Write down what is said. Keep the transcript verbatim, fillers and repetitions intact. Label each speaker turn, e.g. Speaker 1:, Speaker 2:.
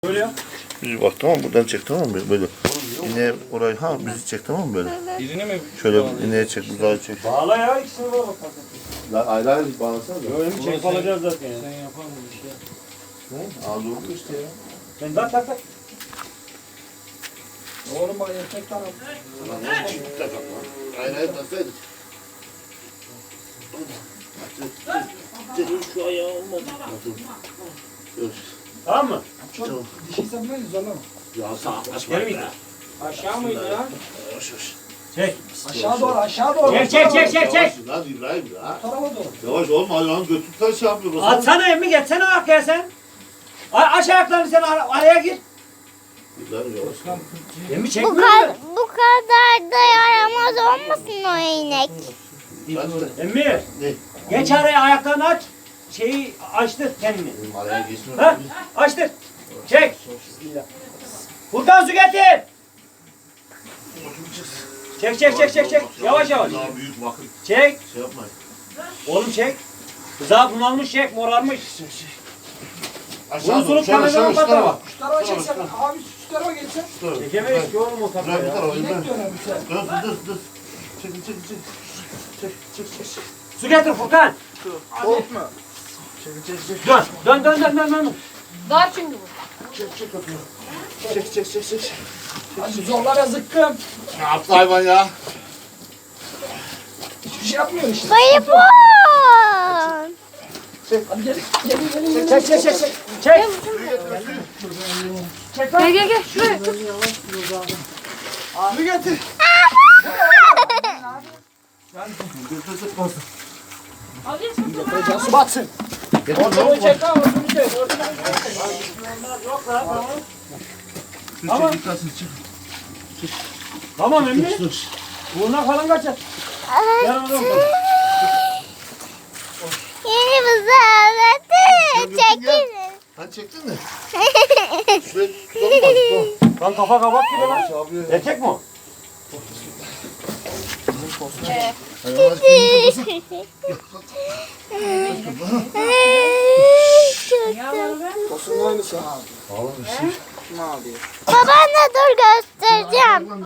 Speaker 1: Böyle yap.
Speaker 2: Bizi bak tamam mı? Buradan çek tamam mı? Böyle. İneğe orayı ha bizi çek tamam mı böyle?
Speaker 1: Birini mi?
Speaker 2: Şöyle ineğe çek, buzağı çek.
Speaker 1: Bağla ya ikisini bağla.
Speaker 2: Lan ayrı ayrı bağlasana da.
Speaker 1: Böyle mi çek alacağız zaten ya.
Speaker 3: Sen yapar mısın işte?
Speaker 2: Ne? Ağzı oldu işte ya.
Speaker 1: Ben tak tak tak.
Speaker 3: Oğlum bak erkek taraf.
Speaker 2: Lan ne çift takak lan. Ayrı ayrı taksaydık.
Speaker 3: Şu ayağı olmadı.
Speaker 2: Dur.
Speaker 1: Tamam mı?
Speaker 3: Çok dişi sen böyle zorlama.
Speaker 2: Ya sağ açma.
Speaker 1: Gel miydi?
Speaker 3: Aşağı mıydı lan?
Speaker 2: Yavaş yavaş.
Speaker 1: Çek.
Speaker 3: Aşağı doğru aşağı doğru.
Speaker 1: Çek çek çek çek çek.
Speaker 2: Yavaş lan İbrahim ya.
Speaker 3: Bu tarafa doğru.
Speaker 2: Yavaş olma ayağını götürsen şey yapıyor.
Speaker 1: Atsana emmi geçsene arkaya sen. A aç ayaklarını sen ar araya gir.
Speaker 2: İbrahim yavaş.
Speaker 1: Emmi
Speaker 4: Bu,
Speaker 1: çekmiyor
Speaker 4: kad
Speaker 1: mu?
Speaker 4: bu kadar da yaramaz olmasın o inek.
Speaker 1: Emmi.
Speaker 2: Ne?
Speaker 1: Geç araya ayaklarını aç. Şeyi açtır kendini.
Speaker 2: Benim araya geçmiyor.
Speaker 1: Ha? Açtır. Çek. Bismillah. Furkan su getir. Çek çek çek çek çek. Yavaş yavaş.
Speaker 2: Daha büyük bakın.
Speaker 1: Çek.
Speaker 2: Şey yapmayın.
Speaker 1: Oğlum çek. Kıza bunalmış çek. Morarmış.
Speaker 2: Aşağı
Speaker 1: Bunu
Speaker 2: doğru.
Speaker 1: sulup
Speaker 2: Şöyle şöyle
Speaker 1: kameradan
Speaker 2: şu tarafa.
Speaker 1: patama.
Speaker 3: Şu tarafa çeksen. Abi şu tarafa geçsen.
Speaker 2: Şu tarafa.
Speaker 1: Çekemeyiz ki oğlum o tarafa
Speaker 2: Bırak bir
Speaker 1: ya.
Speaker 2: tarafa.
Speaker 3: İnek
Speaker 2: İbrahim.
Speaker 3: döner bir şey.
Speaker 2: Dur dur dur. Çek çek çek. Çek çek çek. çek.
Speaker 1: Su getir Furkan.
Speaker 3: Korkma.
Speaker 1: Dön. Dön dön dön dön dön.
Speaker 5: Dar çünkü bu.
Speaker 2: Çek çek atıyor. Çek çek çek çek.
Speaker 3: Hadi zorlara zıkkım.
Speaker 2: Ne yaptı hayvan ya?
Speaker 3: Hiçbir şey yapmıyor işte.
Speaker 4: Bayıpon.
Speaker 3: Hadi gelin gelin gelin. gelin.
Speaker 1: Çek çek çek çek. Çek. Çek lan.
Speaker 5: Gel gel gel şuraya.
Speaker 3: Abi getir. Can su batsın.
Speaker 1: Ortalığı çek lan. Ortalığı çek. Ortalığı çek. Yok lan. Tamam. Tamam. Tamam emmi. Burnuna falan kaçar. Gel oğlum.
Speaker 4: Yeni buzağlatı çekilin.
Speaker 2: Sen çektin mi? Şuraya tutalım.
Speaker 1: Lan kafa kabak gibi lan. Erkek mi o?
Speaker 3: Tosunun aynısı abi.
Speaker 2: Oğlum bir şey.
Speaker 3: Kim abi?
Speaker 4: Babaanne dur göstereceğim.